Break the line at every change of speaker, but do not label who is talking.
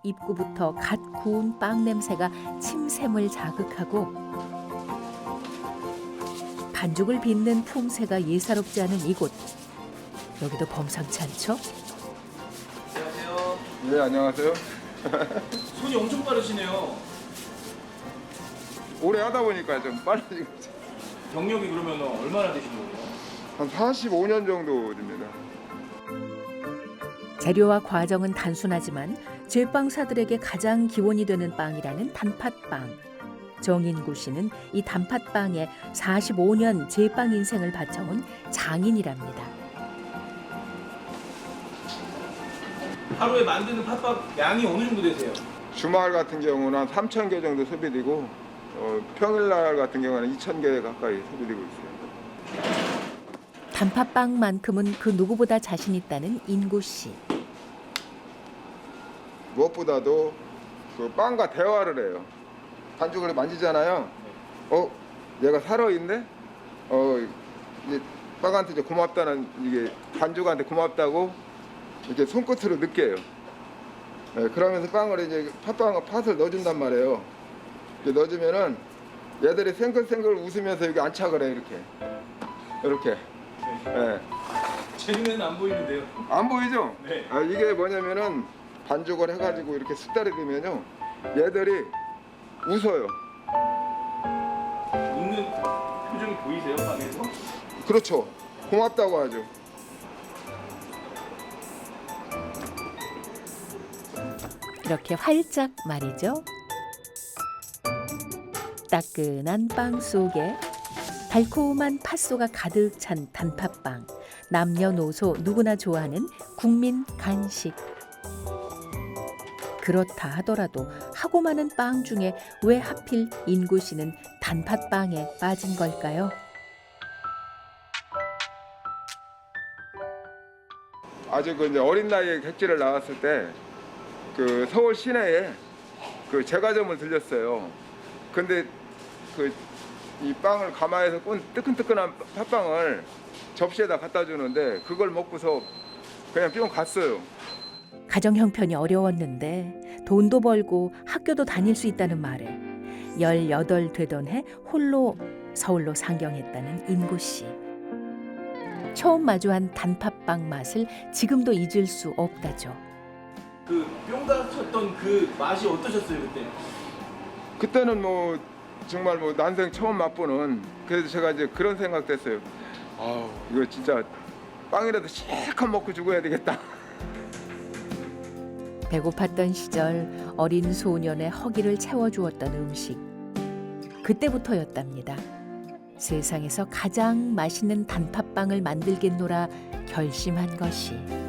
입구부터 갓 구운 빵 냄새가 침샘을 자극하고 반죽을 빚는 품새가 예사롭지 않은 이곳. 여기도 범상치 않죠?
안녕하세요.
네, 안녕하세요.
손이 엄청 빠르시네요.
오래 하다 보니까 좀 빨라진 거죠.
경력이 그러면 얼마나 되신 거예요?
한 45년 정도 됩니다.
재료와 과정은 단순하지만 제빵사들에게 가장 기원이 되는 빵이라는 단팥빵. 정인구 씨는 이 단팥빵에 45년 제빵 인생을 바쳐온 장인이랍니다.
하루에 만드는 팥밥 양이 어느 정도 되세요?
주말 같은 경우는 한 3,000개 정도 소비되고 평일날 같은 경우는 2,000개 가까이 소비되고 있어요.
단팥빵만큼은 그 누구보다 자신 있다는 인구 씨.
무엇보다도 그 빵과 대화를 해요. 반죽을 만지잖아요. 얘가 살아있네? 이제 빵한테 이제 고맙다는, 이게 반죽한테 고맙다고 이렇게 손끝으로 느껴요. 네, 그러면서 빵을 이제 팥을 넣어준단 말이에요. 이렇게 넣어주면은 얘들이 생글생글 웃으면서 여기 안착을 해, 이렇게. 네.
제 눈에는 안 보이는데요.
안 보이죠?
네.
이게 뭐냐면은 반죽을 해가지고 이렇게 숙달이 되면요, 얘들이 웃어요.
웃는 표정이 보이세요, 빵에서?
그렇죠. 고맙다고 하죠.
이렇게 활짝 말이죠. 따끈한 빵 속에 달콤한 팥소가 가득 찬 단팥빵. 남녀노소 누구나 좋아하는 국민 간식. 그렇다 하더라도 하고 많은 빵 중에 왜 하필 인구 씨는 단팥빵에 빠진 걸까요?
아주 그 이제 어린 나이에 객지를 나왔을 때 그 서울 시내에 그 제과점을 들렸어요. 근데 그 이 빵을 가마에서 꾼 뜨끈뜨끈한 팥빵을 접시에다 갖다 주는데 그걸 먹고서 그냥 뿅 갔어요.
가정 형편이 어려웠는데 돈도 벌고 학교도 다닐 수 있다는 말에 18 되던 해 홀로 서울로 상경했다는 인구 씨. 처음 마주한 단팥빵 맛을 지금도 잊을 수 없다죠.
그 뿅가 쳤던 그 맛이 어떠셨어요 그때?
그때는 뭐 정말 뭐 난생 처음 맛보는, 그래서 제가 이제 그런 생각도 했어요. 이거 진짜 빵이라도 실컷 먹고 죽어야 되겠다.
배고팠던 시절 어린 소년의 허기를 채워주었던 음식. 그때부터였답니다. 세상에서 가장 맛있는 단팥빵을 만들겠노라 결심한 것이.